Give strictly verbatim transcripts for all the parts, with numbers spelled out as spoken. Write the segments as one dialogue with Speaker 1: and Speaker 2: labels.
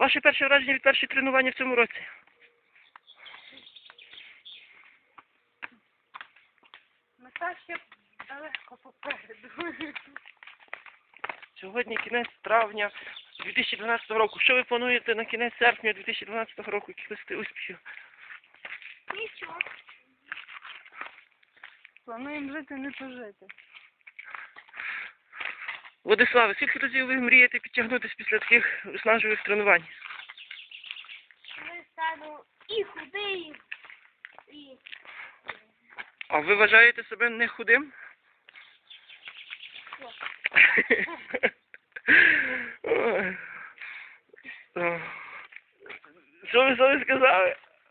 Speaker 1: ваше перше враження від першого тренування в цьому році?
Speaker 2: Мета ще далеко попереду.
Speaker 1: Сьогодні кінець травня дві тисячі дванадцятого року. Що ви плануєте на кінець серпня дві тисячі дванадцятого року? Яких успіхів?
Speaker 2: Нічого. Плануємо жити, не пожити.
Speaker 1: Владиславе, скільки разів ви мрієте підтягнутися після таких виснажливих тренувань?
Speaker 2: Ми стану і худий, і...
Speaker 1: А ви вважаєте себе не худим? Ой. О. Що ви собі сказали?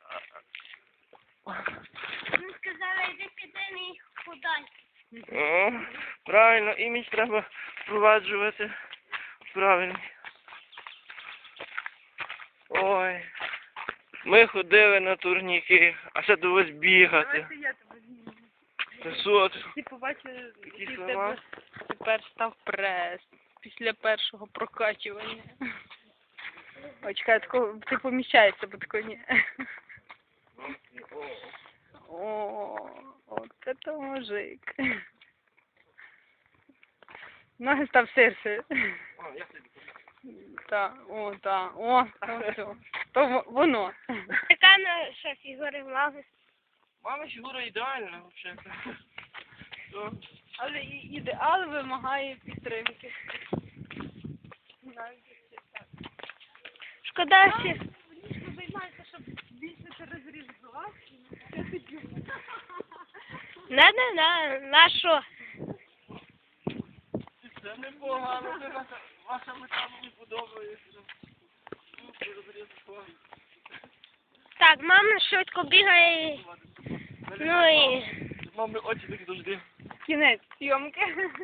Speaker 2: Ми сказали, йди піди і худай.
Speaker 1: О, правильно, імідж треба впроваджувати правильно. Ой, ми ходили на турніки, а ще довелось бігати.
Speaker 2: Давайте я тебе зніму.
Speaker 1: Та що ти?
Speaker 2: Ти побачив,
Speaker 1: Такі
Speaker 2: який в
Speaker 1: слова?
Speaker 2: тебе тепер став прес після першого прокачування. Ой, чекай, тако, ти поміщаєшся, бо тако ні. О, от це мужик. Ноги став сирси.
Speaker 1: О, я собі.
Speaker 2: Так, о, так, о, то все. То во- воно. Яка наша фігура мами?
Speaker 1: Мама фігура ідеальна, взагалі. То.
Speaker 2: Але і- ідеал вимагає підтримки. Шкода, що... Ніжко займається, щоб збільшити розріз глаз. Не, не, не, на що?
Speaker 1: Це непогано, це ваша, ваша мета мені подобається. Супер, розрізко.
Speaker 2: Так, мама швидко бігає. і- Ну і...
Speaker 1: Мами очі такі завжди.
Speaker 2: Кінець зйомки.